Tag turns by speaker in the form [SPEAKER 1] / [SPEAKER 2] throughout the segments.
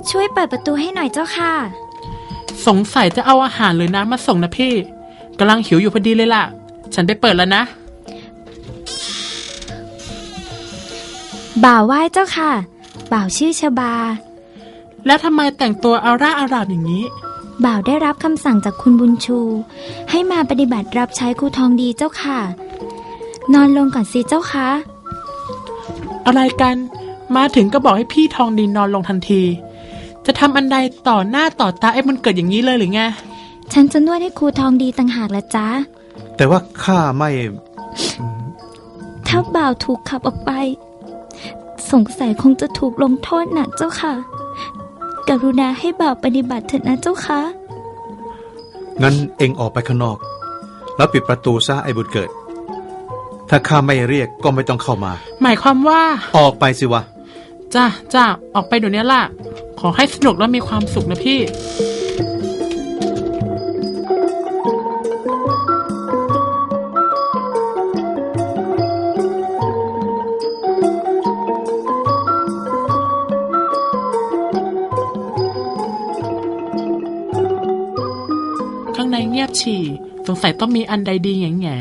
[SPEAKER 1] ช่วยเปิดประตูให้หน่อยเจ้าค่ะ
[SPEAKER 2] สงสัยจะเอาอาหารหรือน้ำมาส่งนะพี่กำลังหิวอยู่พอดีเลยล่ะฉันไปเปิดแล้วนะ
[SPEAKER 1] บ่าวไหว้เจ้าค่ะบ่าวชื่อชบา
[SPEAKER 2] แล้วทำไมแต่งตัวอาร่าอารามอย่างนี้
[SPEAKER 1] บ่าวได้รับคำสั่งจากคุณบุญชูให้มาปฏิบัติรับใช้ครูทองดีเจ้าค่ะนอนลงก่อนสิเจ้าค่ะ
[SPEAKER 2] อะไรกันมาถึงก็บอกให้พี่ทองดีนอนลงทันทีจะทำอันใดต่อหน้าต่อตาไอ้มันเกิดอย่างนี้เลยหรือไง
[SPEAKER 1] ฉันจะนวดให้ครูทองดีต่างหากละจ๊ะ
[SPEAKER 3] แต่ว่าข้าไม่
[SPEAKER 1] ถ้าบ่าวถูกขับออกไปสงสัยคงจะถูกลงโทษหนักเจ้าค่ะกรุณาให้บ่าวปฏิบัติเถิดนะเจ้าค่ะ
[SPEAKER 3] งั้นเอ็งออกไปข้างนอกแล้วปิดประตูซะไอ้บุญเกิดถ้าข้าไม่เรียกก็ไม่ต้องเข้ามา
[SPEAKER 2] หมายความว่า
[SPEAKER 3] ออกไปสิวะ
[SPEAKER 2] จ้าออกไปเดี๋ยวนี้ล่ะขอให้สนุกและมีความสุขนะพี่ข้างในเงียบฉี่สงสัยต้องมีอันใดดีแง่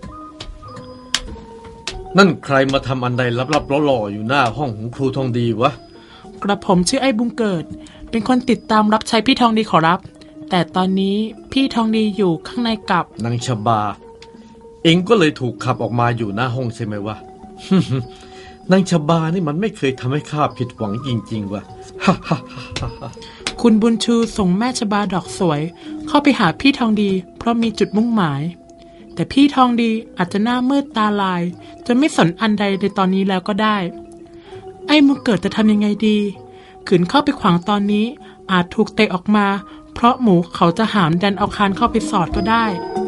[SPEAKER 4] นั่นใครมาทำอันใดลับๆล่อๆอยู่หน้าห้องของครูทองดีวะ
[SPEAKER 2] กระผมชื่อไอ้บุญเกิดเป็นคนติดตามรับใช้พี่ทองดีขอรับแต่ตอนนี้พี่ทองดีอยู่ข้างในกับ
[SPEAKER 4] นางชบาเองก็เลยถูกขับออกมาอยู่หน้าห้องใช่ไหมวะ นางชบานี่มันไม่เคยทำให้ข้าผิดหวังจริงๆวะ
[SPEAKER 2] คุณบุญชูส่งแม่ชบาดอกสวยเข้าไปหาพี่ทองดีเพราะมีจุดมุ่งหมายแต่พี่ทองดีอาจจะหน้ามืดตาลายจนไม่สนอันใดในตอนนี้แล้วก็ได้ไอ้มุกเกิดจะทำยังไงดีขืนเข้าไปขวางตอนนี้อาจถูกเตะออกมาเพราะหมูเขาจะหามดันเอาคานเข้าไปสอดก็ได้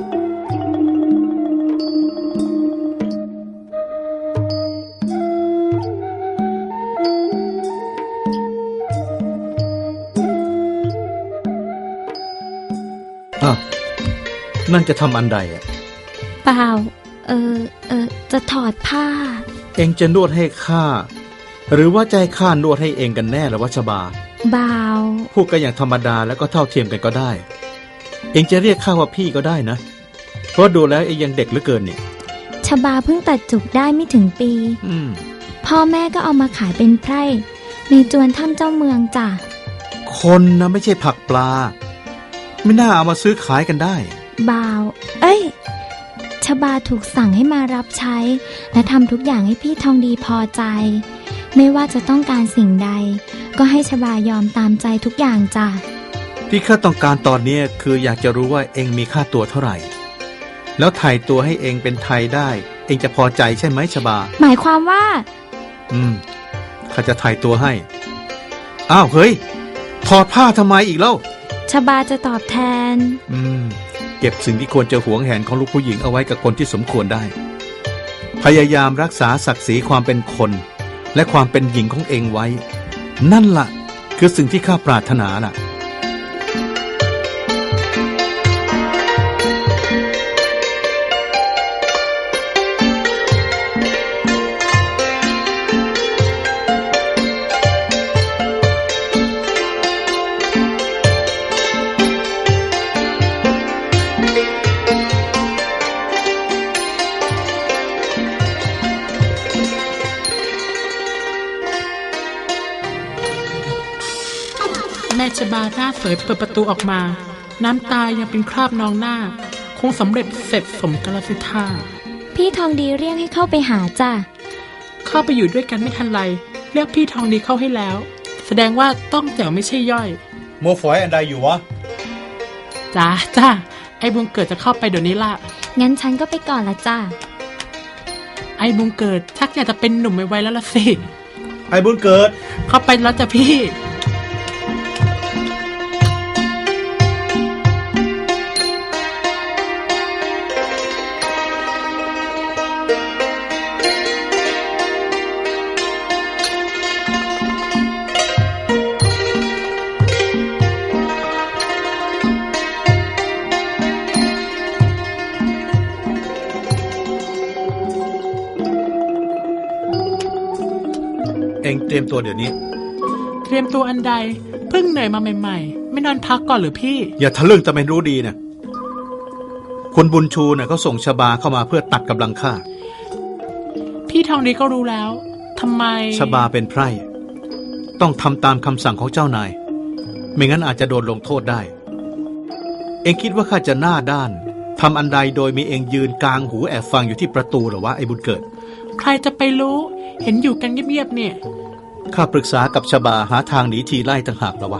[SPEAKER 3] นั่นจะทำอันใดอ่ะ
[SPEAKER 1] เปล่าจะถอดผ้า
[SPEAKER 3] เองจะนวดให้ข้าหรือว่าใจข้านวดให้เองกันแน่หรือว่าชบา
[SPEAKER 1] บ่าว
[SPEAKER 3] พูดกันอย่างธรรมดาแล้วก็เท่าเทียมกันก็ได้เองจะเรียกข้าว่าพี่ก็ได้นะเพราะดูแล้วเองยังเด็กเหลือเกินนี่
[SPEAKER 1] ชบาเพิ่งตัดจุกได้ไม่ถึงปีพ่อแม่ก็เอามาขายเป็นไพร่ในจวนถ้ำเจ้าเมืองจ้ะ
[SPEAKER 3] คนนะไม่ใช่ผักปลาไม่น่าเอามาซื้อขายกันได้
[SPEAKER 1] บ่าวชบาถูกสั่งให้มารับใช้และทำทุกอย่างให้พี่ทองดีพอใจไม่ว่าจะต้องการสิ่งใดก็ให้ชบายอมตามใจทุกอย่างจ้ะ
[SPEAKER 3] ที่ข้าต้องการตอนนี้คืออยากจะรู้ว่าเองมีค่าตัวเท่าไหร่แล้วไถ่ตัวให้เองเป็นไทยได้เองจะพอใจใช่ไหมชบา
[SPEAKER 1] หมายความว่า
[SPEAKER 3] ข้าจะไถ่ตัวให้อ้าวเฮ้ยถอดผ้าทำไมอีกเล่า
[SPEAKER 1] ชบาจะตอบแทน
[SPEAKER 3] เก็บสิ่งที่ควรจะหวงแหนของลูกผู้หญิงเอาไว้กับคนที่สมควรได้พยายามรักษาศักดิ์ศรีความเป็นคนและความเป็นหญิงของเองไว้นั่นล่ะคือสิ่งที่ข้าปรารถนาล่ะ
[SPEAKER 2] แม่ชบาหน้าสวยเปิดประตูออกมาน้ำตายังเป็นคราบนองหน้าคงสำเร็จเสร็จสมกาลสิทธา
[SPEAKER 1] พี่ทองดีเรียกให้เข้าไปหาจ้ะ
[SPEAKER 2] เข้าไปอยู่ด้วยกันไม่ทันไรเรียกพี่ทองดีเข้าให้แล้วแสดงว่าต้องแจ๋วไม่ใช่ย่อย
[SPEAKER 3] โมฝอยอันใดอยู่วะ
[SPEAKER 2] จ้าไอ้บุญเกิดจะเข้าไปเดี๋ยวนี้ล่ะ
[SPEAKER 1] งั้นฉันก็ไปก่อนละจ้ะ
[SPEAKER 2] ไอ้บุญเกิดชักอยากจะเป็นหนุ่มไวๆแล้วล่ะสิ
[SPEAKER 3] ไอ้บุญเกิด
[SPEAKER 2] เข้าไปแล้วจ้ะพี่
[SPEAKER 3] เองเตรียมตัวเดี๋ยวนี้
[SPEAKER 2] เตรียมตัวอันใดเพิ่งเหนื่อยมาใหม่ๆไม่นอนพักก่อนหรือพี่
[SPEAKER 3] อย่าทะลึ่งแต่ไม่รู้ดีนะคุณบุญชูเนี่ยเขาส่งชบาเข้ามาเพื่อตัดกำลังข้า
[SPEAKER 2] พี่ทองดีก็รู้แล้วทำไม
[SPEAKER 3] ชบาเป็นไพร่ต้องทำตามคำสั่งของเจ้านาย ไม่งั้นอาจจะโดนลงโทษได้ เองคิดว่าข้าจะหน้าด้านทำอันใดโดยมีเองยืนกลางหูแอบฟังอยู่ที่ประตูหรอวะไอ้บุญเกิด
[SPEAKER 2] ใครจะไปรู้เห็นอยู่กันเงียบๆเนี่ย
[SPEAKER 3] ข้าปรึกษากับชบาหาทางหนีทีไล่ต่างหากแล้ววะ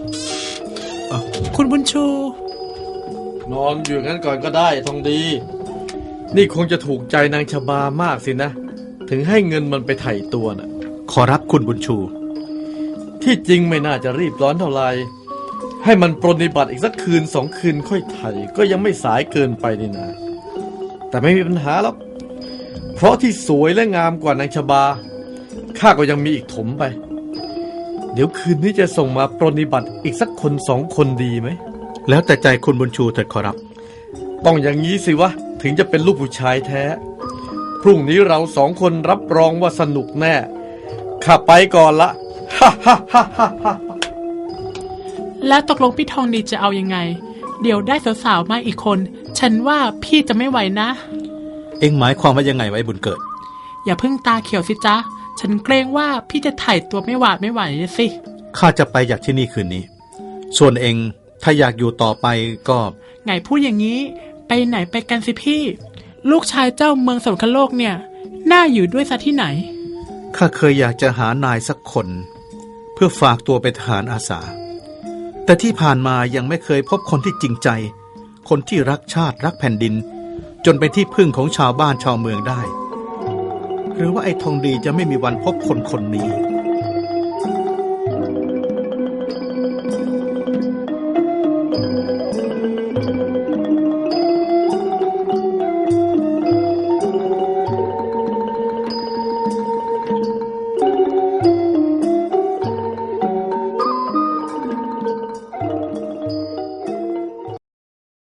[SPEAKER 2] คุณบุญชู
[SPEAKER 4] นอนอยู่งั้นก่อนก็ได้ทองดี นี่คงจะถูกใจนางชบามากสินะ ถึงให้เงินมันไปไถ่ตัวน่ะ
[SPEAKER 3] ขอรับคุณบุญชู
[SPEAKER 4] ที่จริงไม่น่าจะรีบร้อนเท่าไหร่ให้มันปรนนิบัติอีกสักคืน2 คืนค่อยไถ่ก็ยังไม่สายเกินไปนี่นะแต่ไม่มีปัญหาหรอกเพราะที่สวยและงามกว่านางชบาข้าก็ยังมีอีกถมไป เดี๋ยวคืนนี้จะส่งมาปรนนิบัติอีกสักคน2 คนดีไหม
[SPEAKER 3] แล้วแต่ใจคุณบุญชูเถิดขอรับ
[SPEAKER 4] ต้องอย่างนี้สิวะถึงจะเป็นลูกผู้ชายแท้พรุ่งนี้เรา2 คนรับรองว่าสนุกแน่ข้าไปก่อนละฮ่าฮ่าฮ่าฮ่าฮ่า
[SPEAKER 2] แล้วตกลงพี่ทองดีจะเอายังไง เดี๋ยวได้สาวๆมาอีกคน ฉันว่าพี่จะไม่ไหวนะ
[SPEAKER 3] เอ็งหมายความว่ายังไงไว้บุญเกิด
[SPEAKER 2] อย่าเพิ่งตาเขียวสิจ๊ะฉันเกรงว่าพี่จะถ่ายตัวไม่หวาดไม่ไหวสิ
[SPEAKER 3] ข้าจะไปจากที่นี่คืนนี้ ส่วนเอ็งถ้าอยากอยู่ต่อไปก็
[SPEAKER 2] ไงพูดอย่างนี้ไปไหนไปกันสิพี่ ลูกชายเจ้าเมืองสวรรคโลกเนี่ยน่าอยู่ด้วยซะที่ไหน
[SPEAKER 3] ข้าเคยอยากจะหานายสักคน เพื่อฝากตัวเป็นทหารอาสา แต่ที่ผ่านมายังไม่เคยพบคนที่จริงใจ คนที่รักชาติรักแผ่นดิน จนเป็นที่พึ่งของชาวบ้านชาวเมืองได้ หรือว่าไอ้ทองดีจะไม่มีวันพบคนคนนี้